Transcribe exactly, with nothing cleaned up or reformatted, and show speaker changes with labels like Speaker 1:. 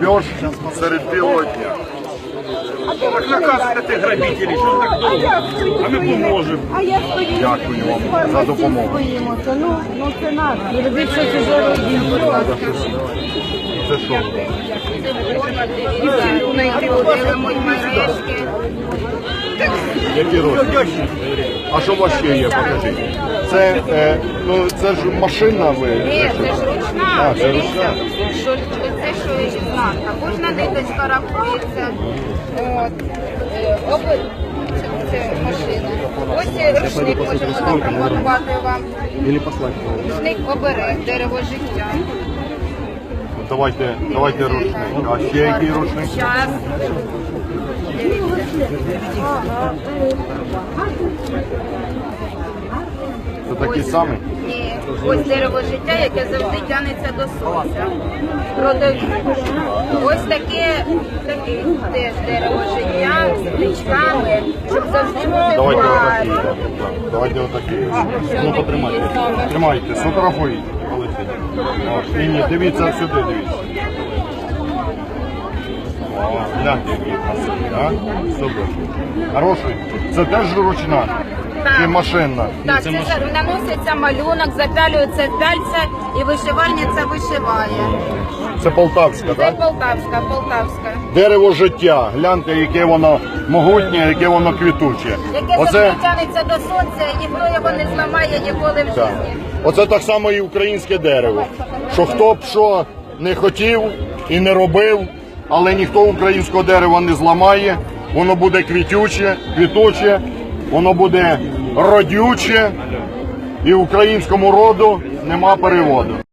Speaker 1: грабеж серед білого дня.
Speaker 2: Так наказуйте тих грабителів, що так довго? А ми поможемо.
Speaker 3: А я стою.
Speaker 1: Дякую вам за допомогу.
Speaker 3: Боїмося. Ну, ну це надо. Не робіть щось уже робіть, будь ласка.
Speaker 1: Це що?
Speaker 3: Дівчинку знайти, одели мої мережки.
Speaker 1: Які розміри? А що у вас ще є? Покажіть. Це, е, ну, це ж машина ви?
Speaker 3: Ні, це ж ручна.
Speaker 1: А, це
Speaker 3: Дивіться,
Speaker 1: ручна.
Speaker 3: що це що є знатка. Кожна ниточка рахується. От. Е, оби- Це, це машина. Ось рушник можемо запропонувати вам. Рушник оберег, дерево життя.
Speaker 1: Давайте, давайте рушник. А ще який рушник?
Speaker 3: Час.
Speaker 1: Це такий самий?
Speaker 3: Ні, ось дерево життя, яке завжди тягнеться до сонця. Родові. Ось таке, таке теж дерево життя з плічками, щоб завжди бути
Speaker 1: Давайте
Speaker 3: парі.
Speaker 1: отакий. так, так. Давайте отакий. Ну, потримайте. Тримайте, сфотографуйте. О, ні, ні, дивіться сюди, дивіться. О, гляньте, який красивий, а? Супер. Хороший. Це теж ручна? Чи машинна?
Speaker 3: Так, це за- наноситься малюнок, запялюється пяльця і вишивальниця вишиває.
Speaker 1: Це полтавська,
Speaker 3: Це
Speaker 1: так?
Speaker 3: полтавська, полтавська.
Speaker 1: Дерево життя. Гляньте, яке воно могутнє, яке воно квітуче.
Speaker 3: Яке
Speaker 1: Оце,
Speaker 3: завжди тягнеться до сонця, і ніхто його не зламає ніколи в
Speaker 1: так.
Speaker 3: житті.
Speaker 1: Оце так само і українське дерево. Що хто б що не хотів і не робив, але ніхто українського дерева не зламає. Воно буде квітюче, квітуче, воно буде родюче, і українському роду нема переводу.